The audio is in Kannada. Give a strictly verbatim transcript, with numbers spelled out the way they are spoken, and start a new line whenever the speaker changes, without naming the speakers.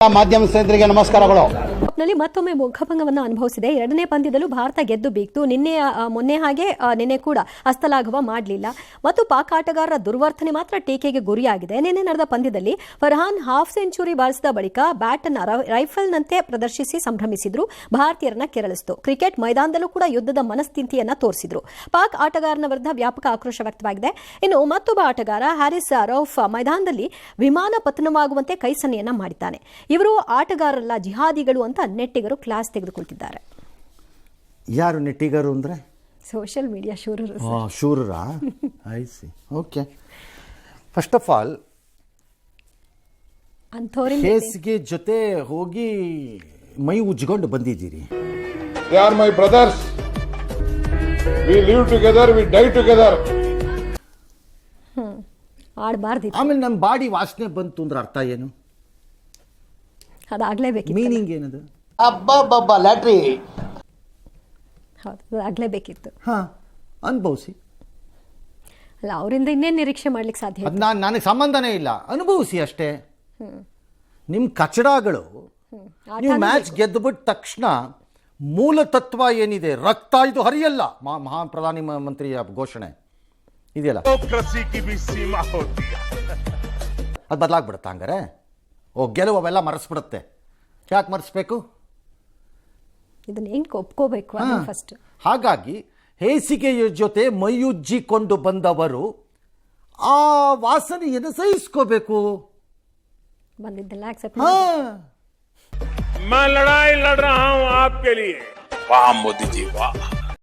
ಮಾಧ್ಯಮ ಸ್ನೇಹಿತರಿಗೆ ನಮಸ್ಕಾರಗಳು.
ನಲ್ಲಿ ಮತ್ತೊಮ್ಮೆ ಮುಖಭಂಗವನ್ನು ಅನುಭವಿಸಿದೆ. ಎರಡನೇ ಪಂದ್ಯದಲ್ಲೂ ಭಾರತ ಗೆದ್ದು ಬೀಗ್ತು. ನಿನ್ನೆ ಮೊನ್ನೆ ಹಾಗೆ ನಿನ್ನೆ ಕೂಡ ಹಸ್ತಲಾಘವ ಮಾಡಲಿಲ್ಲ ಮತ್ತು ಪಾಕ್ ಆಟಗಾರರ ದುರ್ವರ್ತನೆ ಮಾತ್ರ ಟೀಕೆಗೆ ಗುರಿಯಾಗಿದೆ. ನಿನ್ನೆ ನಡೆದ ಪಂದ್ಯದಲ್ಲಿ ಫರ್ಹಾನ್ ಹಾಫ್ ಸೆಂಚುರಿ ಬಾರಿಸಿದ ಬಳಿಕ ಬ್ಯಾಟ್ ಅನ್ನು ರೈಫಲ್ನಂತೆ ಪ್ರದರ್ಶಿಸಿ ಸಂಭ್ರಮಿಸಿದ್ರು, ಭಾರತೀಯರನ್ನ ಕೆರಳಿಸಿತು. ಕ್ರಿಕೆಟ್ ಮೈದಾನದಲ್ಲೂ ಕೂಡ ಯುದ್ಧದ ಮನಸ್ಥಿತಿಯನ್ನ ತೋರಿಸಿದ್ರು. ಪಾಕ್ ಆಟಗಾರನ ವಿರುದ್ಧ ವ್ಯಾಪಕ ಆಕ್ರೋಶ ವ್ಯಕ್ತವಾಗಿದೆ. ಇನ್ನು ಮತ್ತೊಬ್ಬ ಆಟಗಾರ ಹ್ಯಾರಿಸ್ ರೌಫ್ ಮೈದಾನದಲ್ಲಿ ವಿಮಾನ ಪತನವಾಗುವಂತೆ ಕೈ ಸನ್ನೆಯನ್ನ ಮಾಡಿದ್ದಾನೆ. ಇವರು ಆಟಗಾರರಲ್ಲ, ಜಿಹಾದಿಗಳು ಅಂತ ನೆಟ್ಟಿಗರು ಕ್ಲಾಸ್ ತೆಗೆದುಕೊಳ್ತಿದ್ದಾರೆ.
ಯಾರು ನೆಟ್ಟಿಗರು ಅಂದ್ರೆ?
ಸೋಷಿಯಲ್ ಮೀಡಿಯಾ ಶೂರರು.
ಶೂರರಾ? I see. Okay. First of all ಹೇಸಿಗೆ ಜೊತೆ ಹೋಗಿ ಮೈ ಉಜ್ಕೊಂಡು ಬಂದಿದ್ದೀರಿ.
They are my brothers. We live together, we die together.
ಹ್ಮ್ ಆಡಬಾರ್ದಿತ್ತು.
ಆಮೇಲೆ ನಮ್ಮ ಬಾಡಿ ವಾಸನೆ ಬಂತು ಅಂದ್ರೆ ಅರ್ಥ ಏನು?
ಅದಾಗಲೇಬೇಕಿತ್ತು.
ಮೀನಿಂಗ್ ಏನದು?
ಅಬ್ಬಬ್ಬಬ್ಬ ಲ್ಯಾಟ್ರಿ.
ಹೌದು, ಅದಾಗಲೇಬೇಕಿತ್ತು.
ಹಾ, ಅನುಭವಿಸಿ.
ಅಲ್ಲ, ಅವರಿಂದ ಇನ್ನೇನು ನಿರೀಕ್ಷೆ ಮಾಡ್ಲಿಕ್ಕೆ ಸಾಧ್ಯ?
ಅದು ನಾನು ನನಗೆ ಸಂಬಂಧನೇ ಇಲ್ಲ, ಅನುಭವಿಸಿ ಅಷ್ಟೇ. ನಿಮ್ಮ ಕಚಡಗಳು ನೀವು ಮ್ಯಾಚ್ ಗೆದ್ದುಬಿಟ್ಟ ತಕ್ಷಣ ಮೂಲ ತತ್ವ ಏನಿದೆ, ರಕ್ತ ಇದು ಹರಿಯಲ್ಲ, ಮಹಾ ಪ್ರಧಾನಿ ಮಂತ್ರಿಯ ಘೋಷಣೆ ಇದೆಯಲ್ಲ, ಅದು ಬದಲಾಗ್ಬಿಡುತ್ತೆ. ಹಂಗಾರೆ ಓ ಗೆಲುವು ಅವೆಲ್ಲ ಮರೆಸ್ಬಿಡುತ್ತೆ. ಯಾಕೆ ಮರೆಸ್ಬೇಕು?
ಇದನ್ನ ಹೆಂಗೆ ಒಪ್ಕೋಬೇಕು ಫಸ್ಟ್.
ಹಾಗಾಗಿ ಹೇಸಿಗೆಯ ಜೊತೆ ಮೈಯುಜ್ಜಿಕೊಂಡು ಬಂದವರು ಆ ವಾಸನೆಯನ್ನು ಸಹಿಸ್ಕೋಬೇಕು.
ಬಂದಿದ್ದೆಲ್ಲ ಆಕ್ಸೆಪ್ಟ್.
मैं लड़ाई लड़ रहा हूं आपके लिए। वाह मोदी जी वाह.